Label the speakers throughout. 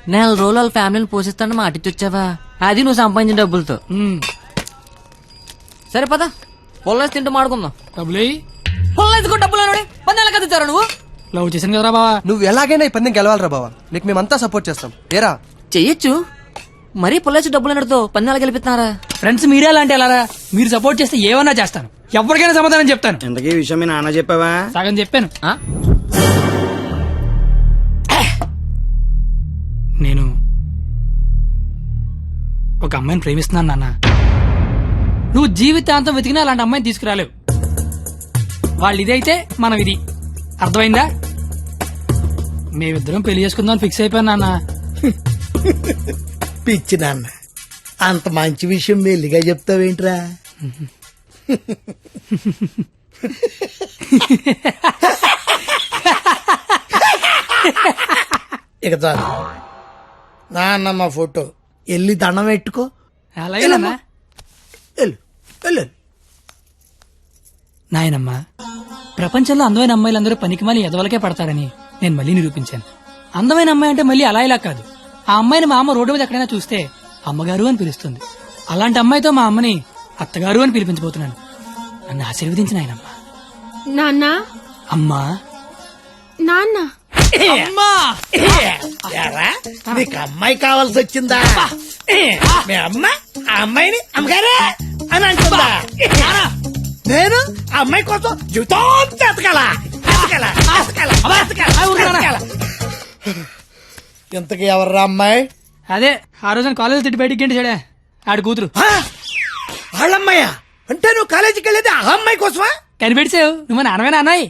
Speaker 1: నెల రోజులు వాళ్ళ ఫ్యామిలీని పోషిస్తాను మాట ఇచ్చి వచ్చావా? అది నువ్వు సంపాదించిన డబ్బులతో. సరే పద, పొల్లేసి తింటూ మాడుకుందాం.
Speaker 2: డబ్బులు
Speaker 1: పొల్లేసుకో డబ్బులు పందాలు కదుతారా నువ్వు?
Speaker 2: లవ్ చేశాను కదరా బావా.
Speaker 3: నువ్వు ఎలాగైనా ఈ పందెం గెలవాలరా బావా, నీకు మేమంతా సపోర్ట్ చేస్తాం. ఏరా
Speaker 1: చెయ్యొచ్చు, మరీ పొల్లేసి డబ్బులు అన్నతో పందాలు గెలిపిస్తున్నారా?
Speaker 2: ఫ్రెండ్స్ మీరే అలాంటి అలారా, మీరు సపోర్ట్ చేస్తే ఏమన్నా చేస్తాను, ఎవరికైనా సమాధానం చెప్తాను.
Speaker 4: ఇంతకీ విషయం మీ నాన్న చెప్పావా?
Speaker 2: సగం చెప్పాను. నేను ఒక అమ్మాయిని ప్రేమిస్తున్నాను నాన్న. నువ్వు జీవితాంతం వెతికినా అలాంటి అమ్మాయిని తీసుకురాలేవు. వాళ్ళు ఇదైతే మనం ఇది, అర్థమైందా? మేమిద్దరం పెళ్లి చేసుకుందాం ఫిక్స్ అయిపోయాను నాన్న.
Speaker 5: పిచ్చి నాన్న, అంత మంచి విషయం మెల్లిగా చెప్తావేంట్రా? ఇక చాలు నాన్న, మా ఫోటో వెళ్ళి దండం పెట్టుకో.
Speaker 2: అలాగే నాన్న.
Speaker 5: వెళ్ళు వెళ్ళు.
Speaker 2: నాయనమ్మా, ప్రపంచంలో అందమైన అమ్మాయిలందరూ పనికిమాలి ఎదవలకే పడతారని నేను మళ్ళీ నిరూపించాను. అందమైన అమ్మాయి అంటే మళ్ళీ అలా ఇలా కాదు. ఆ అమ్మాయిని మా అమ్మ రోడ్డు మీద ఎక్కడైనా చూస్తే అమ్మగారు అని పిలుస్తుంది. అలాంటి అమ్మాయితో మా అమ్మని అత్తగారు అని పిలిపించబోతున్నాను. నన్ను ఆశీర్వదించిన ఆయనమ్మా.
Speaker 6: నాన్న,
Speaker 2: అమ్మా,
Speaker 6: నాన్న,
Speaker 2: అమ్మా.
Speaker 5: ఎరా, నీకు అమ్మాయి కావాల్సి వచ్చిందా? మీ అమ్మ ఆ అమ్మాయిని అమ్మగారే అని అంటుందా? నేను ఆ అమ్మాయి కోసం జీవితం ఎతకాల. ఇంతకీ ఎవర్రా అమ్మాయి?
Speaker 2: అదే ఆ రోజున కాలేజ్ తిట్టి బయటికి గంటేశాడే, ఆడి కూతురు.
Speaker 5: వాళ్ళమ్మాయా? అంటే నువ్వు కాలేజీకి వెళ్ళేది ఆ అమ్మాయి కోసమా?
Speaker 2: కనిపెట్టావు, నువ్వు నాన్నమైన అన్నాయి.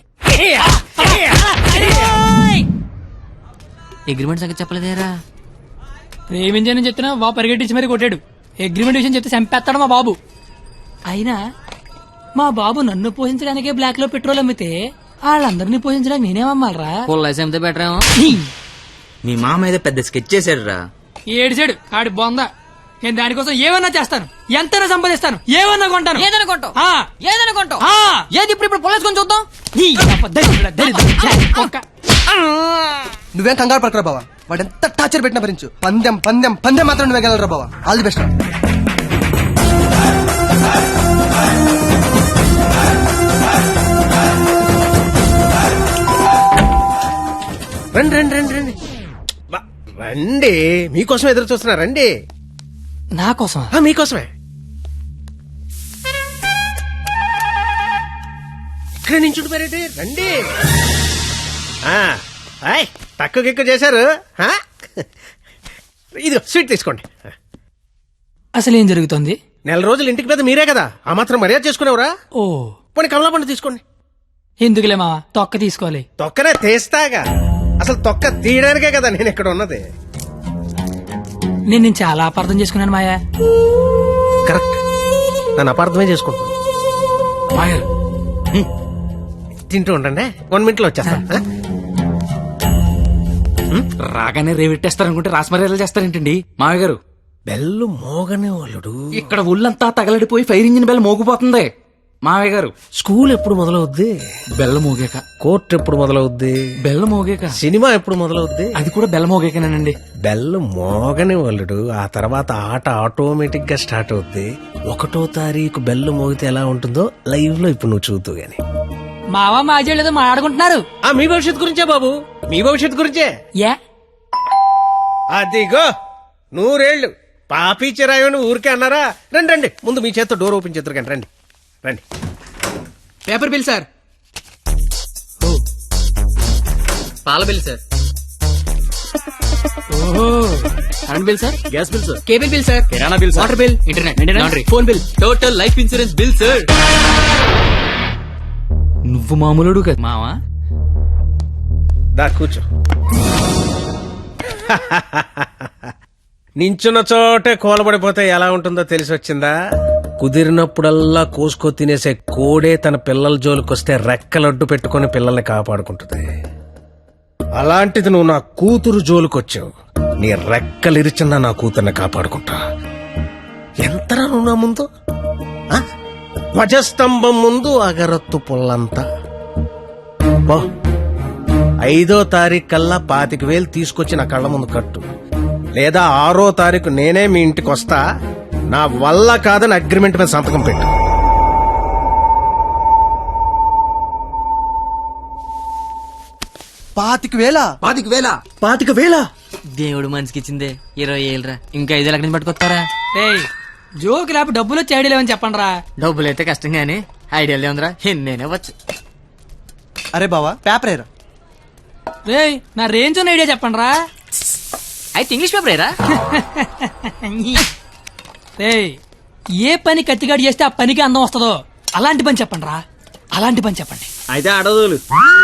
Speaker 1: అగ్రిమెంట్ సంగతి చెప్పలేదేరా?
Speaker 2: ప్రేమించని చెప్తున్నా బాబు పరిగెట్టించి మరీ కొట్టాడు. అగ్రిమెంట్ విషయం చెప్తే చంపేస్తాడు మా బాబు. అయినా మా బాబు నన్ను పోషించడానికే బ్లాక్ లో పెట్రోల్ అమ్మితే వాళ్ళందరినీ పోషించడానికి నేనేమమ్మాలరా?
Speaker 1: పొల్లేసి అమ్మితే బెటర్ ఏమో.
Speaker 4: మీ మామ ఏదో పెద్ద స్కెచ్ చేశాడు రా.
Speaker 2: ఏడిసాడు ఆడి బొంద. నేను దానికోసం ఏమన్నా చేస్తాను, ఎంతైనా సంపాదిస్తాను, ఏమన్నా కొంటాను.
Speaker 1: ఏదైనా కొంటావు,
Speaker 2: ఆ,
Speaker 1: ఏదైనా కొంటావు.
Speaker 2: ఆ.
Speaker 1: ఏది ఇప్పుడు పొల్లేసుకొని చూద్దాం.
Speaker 3: నువ్వేం కంగారు పడకరా బావా, వాడు ఎంత టార్చర్ పెట్టినా భరించు. పందెం పందెం పందెం మాత్రం నువ్వే గెలవరా బావా. All the best.
Speaker 7: రండి రండి రండి రండి రండి, మీకోసం ఎదురు చూస్తున్నా. రండి.
Speaker 2: నా కోసం?
Speaker 7: మీకోసమే. ఇక్కడ నించుంటున్నారండి, రండి. తక్కువ ఎక్కువ చేశారు. ఇది స్వీట్ తీసుకోండి.
Speaker 2: అసలు ఏం జరుగుతుంది?
Speaker 7: నెల రోజులు ఇంటికి పెద్ద మీరే కదా, ఆ మాత్రం మర్యాద చేసుకునేవరా?
Speaker 2: ఓ,
Speaker 7: పోనీ కమలా పండు తీసుకోండి.
Speaker 2: ఎందుకులే మావా, తొక్క తీసుకోవాలి.
Speaker 7: తొక్కనే తీస్తాగా, అసలు తొక్క తీయడానికే కదా నేను ఇక్కడ ఉన్నది.
Speaker 2: నేను చాలా అపార్థం చేసుకున్నాను మాయా.
Speaker 7: కరెక్ట్, నన్ను అపార్థమే చేసుకుంటున్నాను.
Speaker 2: మాయా
Speaker 7: తింటూ ఉండండి, 1 minute లో వచ్చేస్తా.
Speaker 4: రాగానే రేవెట్టేస్తారనుకుంటే రాస్మర్యాలు చేస్తారేంటండి మామయ్య గారు?
Speaker 7: బెల్లు మోగనే వాళ్ళుడు.
Speaker 4: ఇక్కడ ఒళ్ళంతా తగలడిపోయి ఫైర్ ఇంజిన్ బెల్ మోగిపోతుంది మామయ్య గారు.
Speaker 7: స్కూల్ ఎప్పుడు మొదలవుద్ది?
Speaker 4: బెల్ల మోగాక.
Speaker 7: కోర్టు ఎప్పుడు మొదలవుద్ది?
Speaker 4: బెల్ల మోగాక.
Speaker 7: సినిమా ఎప్పుడు మొదలవుద్ది?
Speaker 4: అది కూడా బెల్ల మోగాకనేనండి.
Speaker 7: బెల్లు మోగని వాళ్ళుడు, ఆ తర్వాత ఆట ఆటోమేటిక్ గా స్టార్ట్ అవుద్ది. 1వ తారీఖు బెల్లు మోగితే ఎలా ఉంటుందో లైవ్ లో ఇప్పుడు నువ్వు చూద్దు గాని.
Speaker 2: మావా మాజీ ఏదో మాట్లాడుకుంటున్నారు.
Speaker 7: మీ భవిష్యత్తు గురించే బాబు, మీ భవిష్యత్తు గురించే.
Speaker 2: యా,
Speaker 7: అదిగో 100 ఏళ్ళు పాపి చిరాయని ఊరికే అన్నారా? రండి రండి, ముందు మీ చేత్తో డోర్ ఓపెన్ చేద్దరు కానీ. రండి రండి.
Speaker 2: Paper bill sir.
Speaker 1: పాల బిల్ సార్.
Speaker 2: ఓహో,
Speaker 1: current bill sir.
Speaker 4: Gas bill sir.
Speaker 2: Cable bill sir.
Speaker 4: కిరాణా bill sir.
Speaker 2: Water bill, internet, laundry, phone bill,
Speaker 1: total life insurance bill sir.
Speaker 4: నువ్వు మామూలుడు కదా
Speaker 1: మావా.
Speaker 7: దా కూర్చో. నించున్న చోటే కూలబడిపోతే ఎలా ఉంటుందో తెలిసి వచ్చిందా? కుదిరినప్పుడల్లా కోసుకో తినేసే కోడే తన పిల్లల జోలికొస్తే రెక్కలడ్డు పెట్టుకుని పిల్లల్ని కాపాడుకుంటుంది. అలాంటిది నువ్వు నా కూతురు జోలికొచ్చావు, నీ రెక్కలిరిచినా నా కూతుర్ని కాపాడుకుంటా. ఎంతరా నువ్వు నా ముందు? ధ్వజస్తంభం ముందు అగరత్తు పుల్లంతా. 5వ తారీఖు కల్లా 25,000 తీసుకొచ్చి నా కళ్ళ ముందు కట్టు, లేదా 6వ తారీఖు నేనే మీ ఇంటికి వస్తా. నా వల్ల కాదని అగ్రిమెంట్ మీద సంతకం పెట్టు.
Speaker 3: పాతిక వేల
Speaker 1: దేవుడు మనిషికి ఇచ్చిందే 20,000 రా. ఇంకా 5 లక్షల నుంచి పట్టుకొస్తారా?
Speaker 2: ఏయ్ జోక్ లేపు డబ్బులు వచ్చి ఐడియా లేవని చెప్పండి రా.
Speaker 1: డబ్బులు అయితే కష్టం గానీ ఐడియా ఉందిరా. నేనే వచ్చు.
Speaker 3: అరే బావా పేపర్ ఏరా.
Speaker 2: రేయ్ నా రేంజ్ ఉన్న ఐడియా చెప్పండి రా.
Speaker 1: అయితే ఇంగ్లీష్ పేపర్ ఏరా.
Speaker 2: రేయ్ ఏ పని కత్తిగాడు చేస్తే ఆ పనికి అందం వస్తుందో అలాంటి పని చెప్పండి రా. అలాంటి పని చెప్పండి.
Speaker 4: అయితే అడదులు.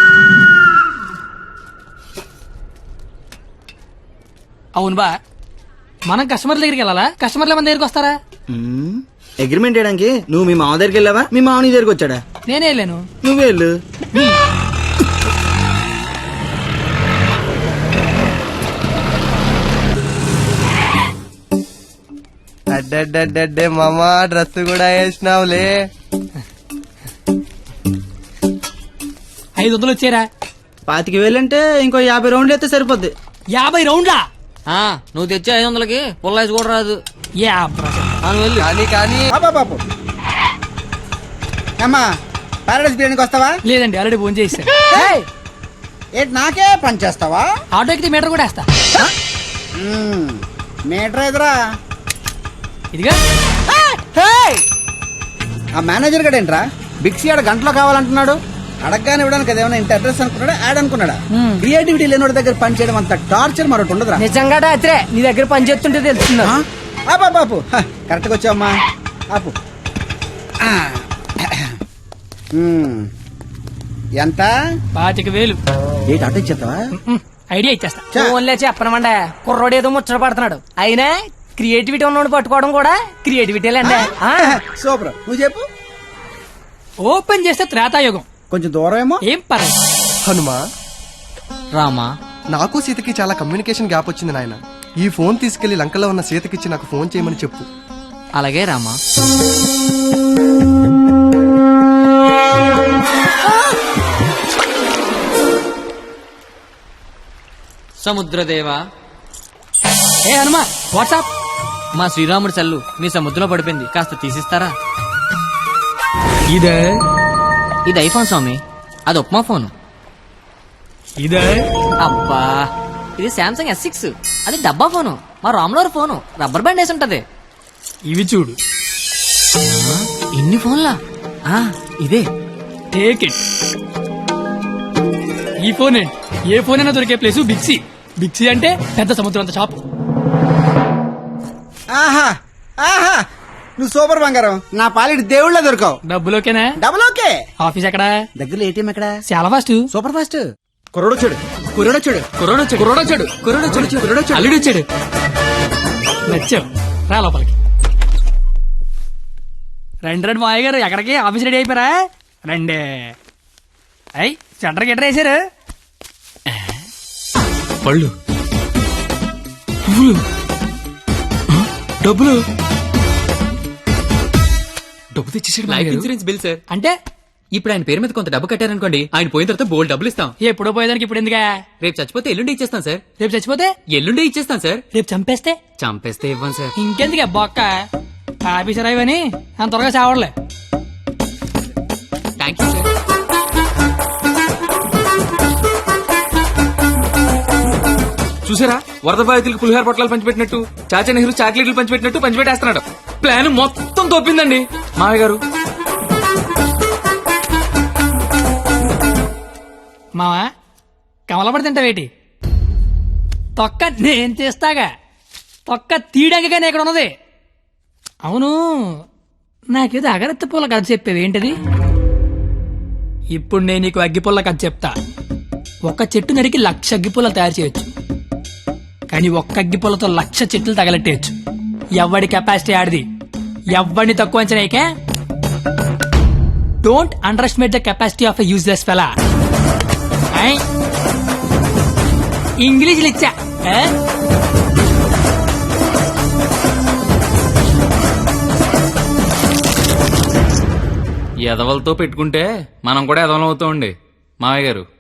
Speaker 2: అవును బా, మనం కస్టమర్ దగ్గరికి వెళ్ళాలా, కస్టమర్లు మన దగ్గరికి వస్తారా?
Speaker 8: అగ్రిమెంట్ చేయడానికి నువ్వు మీ మామ దగ్గరికి వెళ్ళావా, మీ మామ నీ దగ్గరికి వచ్చాడా?
Speaker 2: నేనే వెళ్ళాను.
Speaker 8: నువ్వే వెళ్ళు.
Speaker 3: అడ్డే మామా డ్రెస్ కూడా వేసినావులే.
Speaker 2: 500 వచ్చారా?
Speaker 8: 25,000 అంటే ఇంకో 50 రౌండ్లు అయితే సరిపోద్ది.
Speaker 2: 50 రౌండ్లా?
Speaker 1: నువ్వు తెచ్చే 500కి పుల్లాయిస్ కూడా రాదు.
Speaker 3: కానీ
Speaker 8: బాబు అమ్మా పారాడైస్ బిర్యానీకి వస్తావా?
Speaker 2: లేదండి ఆల్రెడీ ఫోన్ చేశారు.
Speaker 8: ఏంటి నాకే పని చేస్తావా?
Speaker 2: ఆటో ఎక్కితే మీటర్ కూడా వేస్తా.
Speaker 8: మీటర్ ఎదురా.
Speaker 2: ఇదిగా
Speaker 8: ఆ మేనేజర్ గడేంట్రా బిక్సీ ఆడ గంటలో కావాలంటున్నాడు. అడగగానే ఇవ్వడానికి అదేమన్నా ఇంత అడ్రస్ అనుకున్నాడా, యాడ్ అనుకున్నాడా? క్రియేటివిటీ లేనివాడి దగ్గర పని చేయడం అంత టార్చర్ మరొకటి ఉండదురా.
Speaker 1: నిజంగా రాత్రే నీ దగ్గర పని చేస్తుంటే తెలుస్తున్నా.
Speaker 8: బాపు కరెక్ట్గా వచ్చావమ్మా. ఆపు. ఎంత?
Speaker 2: 25,000.
Speaker 8: ఏంటి ఆటో ఇచ్చేస్తావా?
Speaker 2: ఐడియా ఇచ్చేస్తా.
Speaker 1: ఫోన్లే చెప్పనమండే, కుర్రోడు ఏదో ముచ్చట పడుతున్నాడు. అయినా క్రియేటివిటీ ఉన్నోడు పట్టుకోవడం కూడా క్రియేటివిటీలండి.
Speaker 8: సూపర్, నువ్వు చెప్పు.
Speaker 2: ఓపెన్ చేస్తే త్రేతాయుగం.
Speaker 8: కొంచెం దూరం ఏమో.
Speaker 2: ఏం పర్లేదు.
Speaker 3: హనుమా
Speaker 1: రామా,
Speaker 3: నాకు సీతకి చాలా కమ్యూనికేషన్ గ్యాప్ వచ్చింది నాయన. ఈ ఫోన్ తీసుకెళ్లి లంకలో ఉన్న సీతకిచ్చి నాకు ఫోన్ చేయమని చెప్పు.
Speaker 1: అలాగే రామా. సముద్రదేవా.
Speaker 2: ఏ హనుమా వాట్సాప్.
Speaker 1: మా శ్రీరాముడి చల్లు మీ సముద్రంలో పడిపోయింది, కాస్త తీసిస్తారా?
Speaker 2: ఇదే
Speaker 1: ఇది ఐఫోన్ స్వామి, అది ఉప్మా ఫోను.
Speaker 2: ఇదే
Speaker 1: అబ్బా, ఇది శాంసంగ్ S6, అది డబ్బా ఫోను. మా రామ్లోర్ ఫోను రబ్బర్ బ్యాండ్ వేసి ఉంటది.
Speaker 2: ఇవి చూడు.
Speaker 1: ఇన్ని ఫోన్లా? ఇదే.
Speaker 2: Take it. ఈ ఫోన్ ఏంటి? ఏ ఫోన్ అయినా దొరికే ప్లేసు బిక్సీ. బిక్సీ అంటే పెద్ద సముద్రం అంత షాప్.
Speaker 8: ఆహా ఆహా, నువ్వు సూపర్ బంగారం. నా పాలిటి దేవుళ్ళ దొరకవు.
Speaker 2: డబ్బులోకేనా?
Speaker 8: Double okay.
Speaker 2: ఆఫీస్ ఎక్కడా?
Speaker 8: దగ్గరలో ఏటీఎం ఎక్కడ?
Speaker 2: చాలా ఫాస్ట్.
Speaker 8: Super fast. కుర్రోడొచ్చాడు కుర్రోడొచ్చాడు
Speaker 2: కుర్రోడొచ్చాడు కుర్రోడొచ్చాడు కుర్రోడొచ్చాడు కుర్రోడొచ్చాడు అల్లుడు వచ్చాడు. నచ్చావు, రా లోపలికి. రండి మాయ గారు, ఎక్కడికి? ఆఫీస్ రెడీ అయిపోయారా? రండి. అయ్యి సెంటర్ గిట్టర్ వేసారు.
Speaker 4: పళ్ళు, పువ్వులు, డబ్బులు. డబ్బు తెచ్చేసాడు.
Speaker 9: Life insurance bill sir.
Speaker 2: అంటే
Speaker 9: ఇప్పుడు ఆయన పేరు మీద కొంత డబ్బు కట్టారనుకోండి, ఆయన పోయిన తర్వాత బోల్డ్ డబ్బులు ఇస్తాం.
Speaker 2: ఎప్పుడో పోయేదానికి ఇప్పుడు ఎందుకా?
Speaker 9: రేపు చచ్చిపోతే ఎల్లుండి ఇచ్చేస్తాం సార్.
Speaker 2: రేపు చచ్చిపోతే
Speaker 9: ఎల్లుండి ఇచ్చేస్తాం సార్.
Speaker 2: రేపు చంపేస్తే
Speaker 9: చంపేస్తే ఇవ్వం సార్.
Speaker 2: ఇంకెందుకే బొక్క? ఆఫీసర్ అయ్యని అంత త్వరగా చావడలే.
Speaker 9: Thank you sir.
Speaker 4: చూసారా, వరద బాధితులకు పులిహార పొట్లాలు పంచిపెట్టినట్టు చాచా నెహ్రూ చాక్లెట్లు పంచిపెట్టినట్టు పంచిపెట్టేస్తున్నాడు. ప్లాన్ మొత్తం తోపిందండి మామయ్య గారు.
Speaker 2: మావా కమలపడి తింటావేటి? తొక్క నేను చేస్తాగా. తొక్క తీయడానికి ఇక్కడ ఉన్నది. అవును, నాకేదో అగరత్తి పూల కథ చెప్పేవి ఏంటది? ఇప్పుడు నేను నీకు అగ్గిపుల్ల కథ చెప్తా. ఒక చెట్టు నరికి 1,00,000 అగ్గిపుల్లలు తయారు చేయొచ్చు, కానీ ఒక్క అగ్గిపుల్లతో 1,00,000 చెట్లు తగలెట్టేయచ్చు. ఎవడి కెపాసిటీ ఆడిది. ఎవడిని తక్కువ అంచనాయికే. Don't underestimate the capacity of a useless fellow. ఇంగ్లీష్లు ఇచ్చా.
Speaker 4: ఎదవలతో పెట్టుకుంటే మనం కూడా ఎదవలం అవుతామండి మామయ్య గారు.